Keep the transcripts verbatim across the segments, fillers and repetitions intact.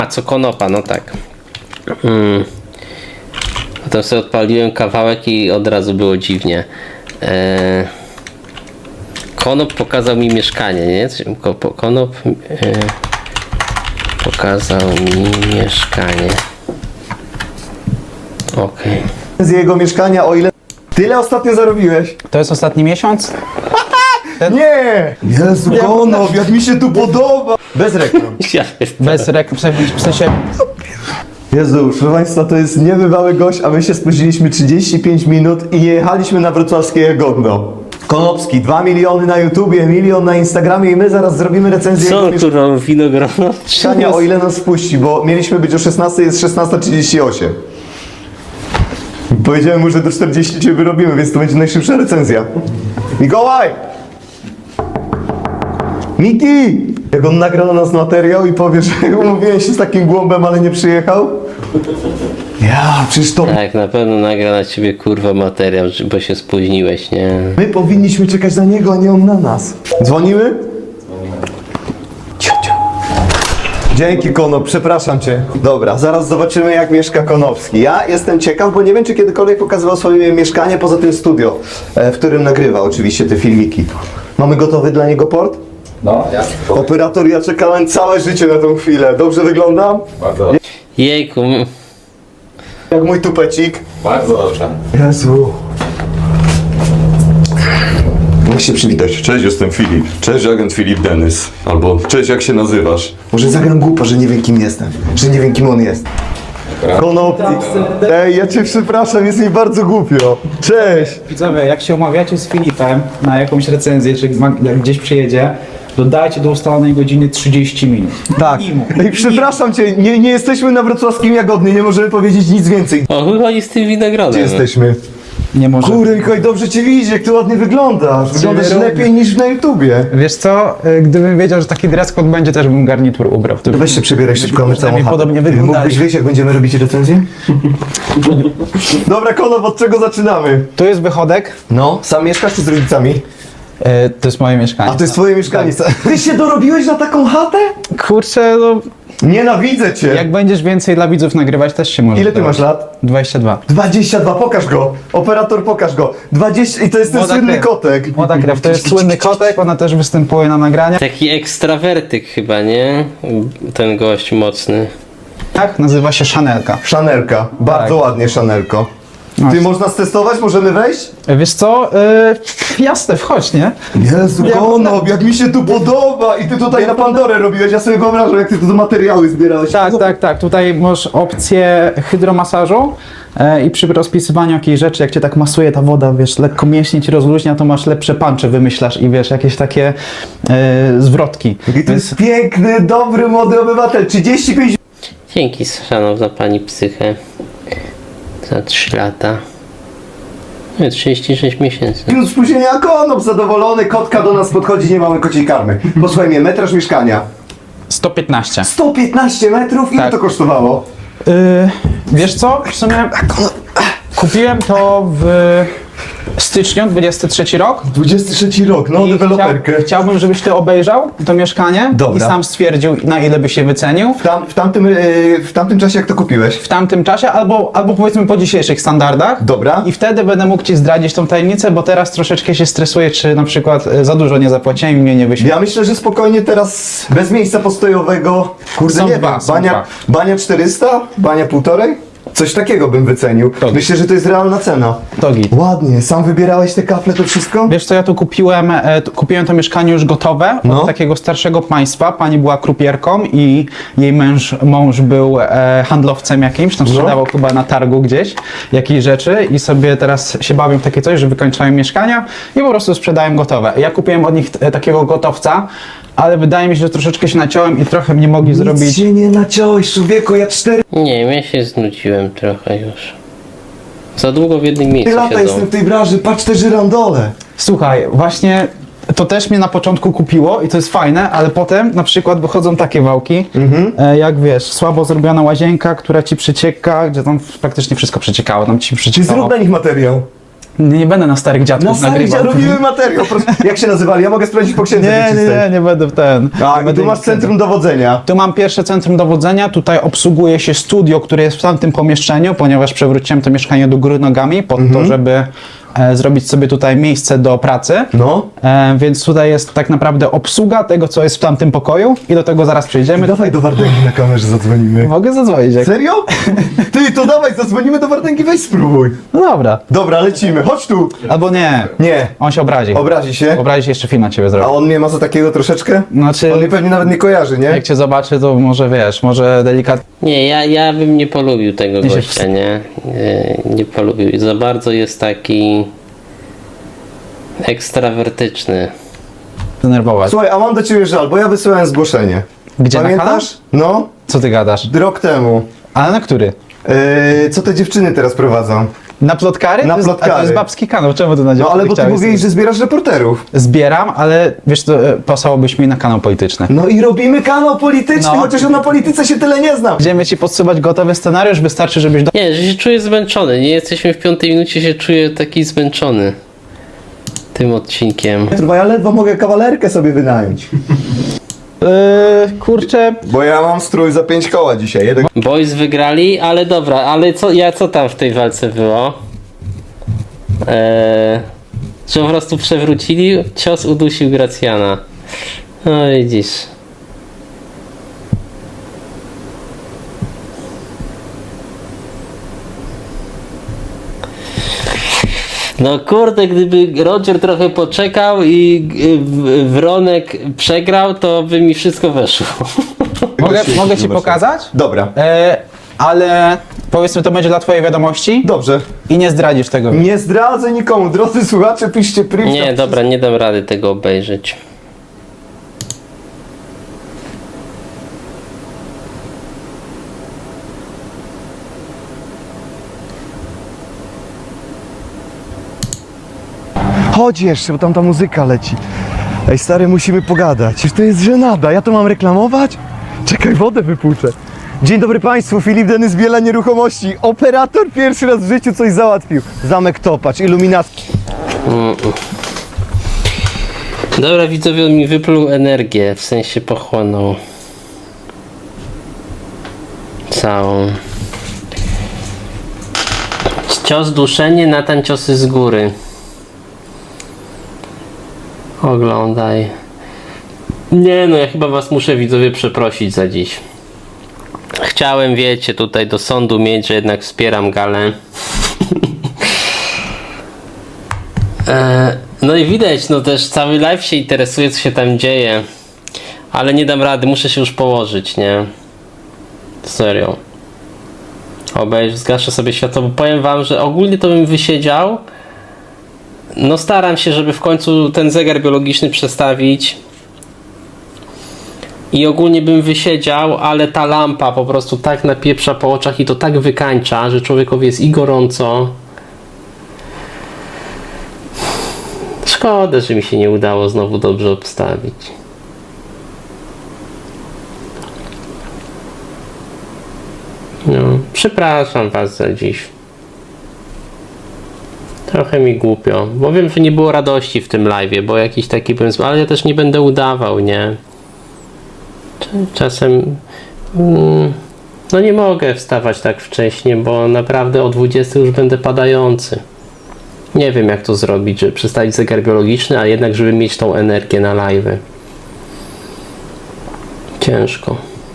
A co konopa, no tak. Hmm. Potem sobie odpaliłem kawałek i od razu było dziwnie. Eee... Konop pokazał mi mieszkanie, nie? Konop eee... pokazał mi mieszkanie. Okej. Okay. Z jego mieszkania, o ile... Tyle ostatnio zarobiłeś? To jest ostatni miesiąc? Nie! Jezu, Konop, jak mi się tu podoba! Bez reklam. Bez reklam, w sensie... Jezu, proszę Państwa, to jest niebywały gość, a my się spóźniliśmy trzydzieści pięć minut i nie jechaliśmy na wrocławskie Jagodno. Konopski, dwa miliony na YouTubie, milion na Instagramie i my zaraz zrobimy recenzję Co jego kurwa, winogrono? mieszkania, o ile nas puści, bo mieliśmy być o szesnastej, jest szesnasta trzydzieści osiem. Powiedziałem mu, że do czterdzieści cię wyrobimy, więc to będzie najszybsza recenzja. Mikołaj! Miki! Jak on nagra na nas materiał i powie, że umówiłem się z takim głąbem, ale nie przyjechał? Ja, przecież to... Tak, na pewno nagra na ciebie kurwa materiał, bo się spóźniłeś, nie? My powinniśmy czekać na niego, a nie on na nas. Dzwonimy? Ciu, ciu. Dzięki, Konop, przepraszam cię. Dobra, zaraz zobaczymy, jak mieszka Konopski. Ja jestem ciekaw, bo nie wiem, czy kiedykolwiek pokazywał swoje mieszkanie poza tym studio, w którym nagrywa oczywiście te filmiki. Mamy gotowy dla niego port? No, ja. Operator, ja czekałem całe życie na tą chwilę. Dobrze wyglądam? Bardzo, Jejku, m- Jak mój tupecik. bardzo dobrze. Jezu. Jak się przywitać? Cześć, jestem Filip. Cześć, agent Filip Denys. Albo cześć, jak się nazywasz? Może zagram głupo, że nie wiem, kim jestem. Że nie wiem, kim on jest. Konop, ej, ja cię przepraszam, jest mi bardzo głupio. Cześć. Widzowie, jak się umawiacie z Filipem na jakąś recenzję, czy ma- jak gdzieś przyjedzie, dodajcie do ustalonej godziny trzydzieści minut. Tak. Minimum. Ej, przepraszam cię, nie, nie jesteśmy na wrocławskim Jagodnie, nie możemy powiedzieć nic więcej. o chuj chodzi z tym winogronem. Gdzie jesteśmy? Nie może. Kurde, Mikołaj, dobrze cię widzieć, jak ty ładnie wyglądasz. Wyglądasz robię? lepiej niż na YouTubie. Wiesz co, y, gdybym wiedział, że taki dress code będzie, też bym garnitur ubrał. To Weź się przebieraj szybko, my całą Przynajmniej chatę. podobnie wyglądali. Mógłbyś wyjść, jak będziemy robić recenzję? Dobra, Konop, od czego zaczynamy? Tu jest wychodek. No, sam mieszkasz czy z rodzicami? Y, to jest moje mieszkanie. A to jest twoje mieszkanie. Ty się dorobiłeś na taką chatę? Kurczę, no Nienawidzę cię. jak będziesz więcej dla widzów nagrywać, też się może. Ile ty masz lat? dwadzieścia dwa. dwadzieścia dwa, pokaż go. Operator, pokaż go. dwadzieścia i to jest ten Młoda słynny krew. kotek. Młoda krew, to jest słynny kotek, ona też występuje na nagraniach. Taki ekstrawertyk chyba, nie? Ten gość mocny. Tak, nazywa się Chanelka. Szanelka. Bardzo Tak. ładnie, Szanelko. No. Ty, można stestować? Możemy wejść? Wiesz co, y, jasne, wchodź, nie? Jezu, Ja- Konop, jak mi się tu podoba! I ty tutaj na Pandorę robiłeś, ja sobie wyobrażam, jak ty tu materiały zbierałeś. Tak, tak, tak. Tutaj masz opcję hydromasażu e, i przy rozpisywaniu jakiejś rzeczy, jak cię tak masuje ta woda, wiesz, lekko mięśnie ci rozluźnia, to masz lepsze puncze, wymyślasz i wiesz, jakieś takie e, zwrotki. I to jest piękny, dobry, młody obywatel. trzydzieści pięć Dzięki, szanowna pani psychę. Za trzy lata. No, trzydzieści sześć miesięcy. minut spóźnienia, Konop zadowolony, kotka do nas podchodzi, nie mamy kociej karmy. Posłuchaj mnie, metraż mieszkania. sto piętnaście. sto piętnaście metrów? Ile Tak. to kosztowało? Y, wiesz co, w sumie kupiłem to w styczniu, dwudziesty trzeci rok. dwudziesty trzeci rok, no, I deweloperkę. Chciał, chciałbym, żebyś ty obejrzał to mieszkanie Dobra. i sam stwierdził, na ile by się wycenił. W, tam, w, tamtym, yy, w tamtym czasie jak to kupiłeś? W tamtym czasie, albo, albo powiedzmy po dzisiejszych standardach. Dobra. I wtedy będę mógł ci zdradzić tą tajemnicę, bo teraz troszeczkę się stresuję, czy na przykład e, za dużo nie zapłaciłem i mnie nie wyświetli. Ja myślę, że spokojnie teraz bez miejsca postojowego, kurde Są nie dwa, wiem, są bania, dwa. bania czterysta? Bania półtorej? Coś takiego bym wycenił. To- Myślę, że to jest realna cena. To git. Ładnie, sam wybierałeś te kafle, to wszystko? Wiesz co, ja tu kupiłem, e, tu kupiłem to mieszkanie już gotowe od No. takiego starszego państwa. Pani była krupierką i jej męż, mąż był e, handlowcem jakimś, tam sprzedawał chyba na targu gdzieś jakieś rzeczy i sobie teraz się bawią w takie coś, że wykończają mieszkania i po prostu sprzedają gotowe. Ja kupiłem od nich e, takiego gotowca, ale wydaje mi się, że troszeczkę się naciąłem i trochę mnie mogli Nic zrobić. się nie naciąłeś, człowieku, ja cztery Nie wiem, ja się znudziłem trochę już. Za długo w jednym miejscu lata siedzą. jestem w tej branży, patrz te żyrandole. Słuchaj, właśnie to też mnie na początku kupiło i to jest fajne, ale potem na przykład wychodzą takie wałki, e, jak wiesz, słabo zrobiona łazienka, która ci przecieka, gdzie tam praktycznie wszystko przeciekało, tam ci Czy przeciekało. zrób na nich materiał? Nie, nie będę na starych dziadków Na starych nagrywał. robimy materiał. Proszę. Jak się nazywali? Ja mogę sprawdzić po księdze Nie, nie, wieczystej. nie, nie będę w ten. Tak, nie i będę tu masz nic- centrum dowodzenia. Tu mam pierwsze centrum dowodzenia, tutaj obsługuje się studio, które jest w tamtym pomieszczeniu, ponieważ przewróciłem to mieszkanie do góry nogami po Mhm. to, żeby e, zrobić sobie tutaj miejsce do pracy. No. E, więc tutaj jest tak naprawdę obsługa tego, co jest w tamtym pokoju i do tego zaraz przejdziemy. Dawaj do Wardęgi na kamerze zadzwonimy. Mogę zadzwonić. Jak... Serio? Ty, to dawaj, zadzwonimy do Wardęgi, weź spróbuj. No dobra. Dobra, lecimy, chodź tu. Albo nie. Nie, On się obrazi. obrazi się. Obrazi się, jeszcze film na ciebie A zrobi. on mnie ma za takiego troszeczkę? Znaczy, On mnie pewnie nawet nie kojarzy, nie? jak cię zobaczy, to może wiesz, może delikatnie. Nie, ja, ja bym nie polubił tego Nie się gościa, nie? nie? Nie polubił. Za bardzo jest taki ekstrawertyczny. Denerwować. Słuchaj, a mam do ciebie żal, bo ja wysyłałem zgłoszenie. Gdzie, na Pamiętasz? No, Co ty gadasz? rok temu. Ale na który? Yy, co te dziewczyny teraz prowadzą? Na plotkary? Na To jest- A to plotkary. jest babski kanał, czemu ty na No ale bo ty chciałeś mówiłeś, sobie- że zbierasz reporterów. Zbieram, ale wiesz co, e, pasowałobyś mi na kanał polityczny. No i robimy kanał polityczny, No. chociaż ja na polityce się tyle nie znam. Będziemy ci podsuwać gotowy scenariusz, wystarczy, żebyś do... Nie, że się czuję zmęczony. Nie jesteśmy w piątej minucie, się czuję taki zmęczony tym odcinkiem. Bo ja ledwo mogę kawalerkę sobie wynająć. Yy, kurczę, Bo ja mam strój za pięć koła dzisiaj. Jeden... Boys wygrali, ale dobra, ale co, ja co tam w tej walce było? Eee, że po prostu przewrócili, cios udusił Gracjana. No widzisz. No kurde, gdyby Roger trochę poczekał i y, w- Wronek przegrał, to by mi wszystko weszło. mogę, mogę ci pokazać? Dobra. E, ale powiedzmy, to będzie dla twojej wiadomości Dobrze. i nie zdradzisz tego. Nie zdradzę nikomu. Drodzy słuchacze, piszcie privcia. Nie, dobra, nie dam rady tego obejrzeć. Chodź jeszcze, bo tam ta muzyka leci. Ej stary, musimy pogadać. Przecież to jest żenada. Ja to mam reklamować? Czekaj, wodę wypłuczę. Dzień dobry Państwu, Filip Denys, Biela Nieruchomości. Operator pierwszy raz w życiu coś załatwił. Zamek Topacz, iluminacja. Dobra, widzowie, on mi wypluł energię, w sensie pochłonął całą. Cios duszenie, Natan ciosy z góry. Oglądaj. Nie no, ja chyba was muszę, widzowie, przeprosić za dziś. Chciałem, wiecie, tutaj do sądu mieć, że jednak wspieram galę. E, no i widać, no też cały live się interesuje, co się tam dzieje. Ale nie dam rady, muszę się już położyć, nie? Serio. Obejrz, zgaszę sobie światło, bo powiem wam, że ogólnie to bym wysiedział. No staram się, żeby w końcu ten zegar biologiczny przestawić. I ogólnie bym wysiedział, ale ta lampa po prostu tak napieprza po oczach i to tak wykańcza, że człowiekowi jest i gorąco. Szkoda, że mi się nie udało znowu dobrze obstawić. No, przepraszam was za dziś. Trochę mi głupio, bo wiem, że nie było radości w tym live'ie, bo jakiś taki pomysł, ale ja też nie będę udawał, nie? Czasem mm, no nie mogę wstawać tak wcześnie, bo naprawdę o dwudziestej już będę padający. Nie wiem, jak to zrobić, żeby przestawić zegar biologiczny, a jednak żeby mieć tą energię na live'y. Ciężko.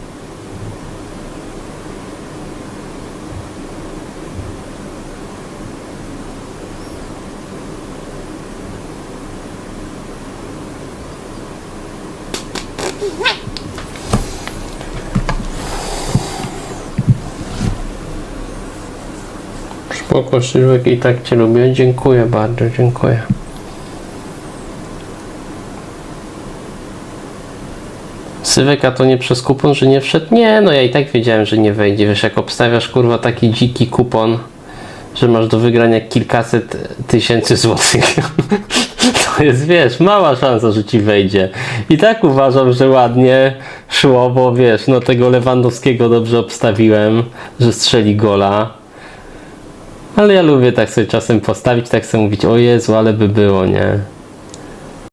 Spoko, Sylwek, i tak cię lubię. Dziękuję bardzo, dziękuję. Sylwek, a to nie przez kupon, że nie wszedł? Nie, no ja i tak wiedziałem, że nie wejdzie. Wiesz, jak obstawiasz, kurwa, taki dziki kupon, że masz do wygrania kilkaset tysięcy złotych, to jest, wiesz, mała szansa, że ci wejdzie. I tak uważam, że ładnie szło, bo wiesz, no tego Lewandowskiego dobrze obstawiłem, że strzeli gola. Ale ja lubię tak sobie czasem postawić, tak sobie mówić, o Jezu, ale by było, nie?